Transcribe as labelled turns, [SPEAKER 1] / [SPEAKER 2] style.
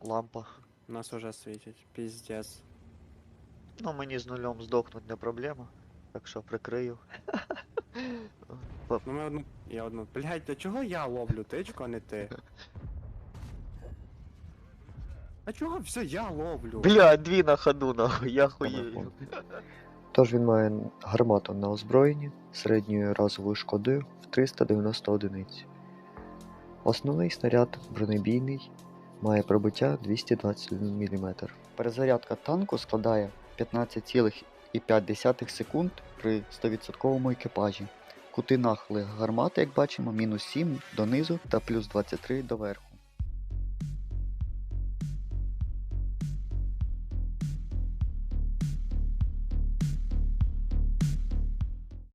[SPEAKER 1] лампа.
[SPEAKER 2] Нас уже світять. Піздец.
[SPEAKER 1] Ну, мені з нульом здохнуть не проблема. Так що прикрию.
[SPEAKER 2] Ну ми одну. Я одну. Блять, до чого я ловлю тичку, а не ти? А чого все я ловлю?
[SPEAKER 1] Бля, дві на ходу, нахуй, я хуєю.
[SPEAKER 3] Тож він має гармату на озброєнні середньою разовою шкодою в 390 одиниць. Основний снаряд бронебійний має пробиття 221 мм. Перезарядка танку складає 15,5 секунд при 100% екіпажі. Кути нахили гармати, як бачимо, мінус 7 донизу та плюс 23 доверху.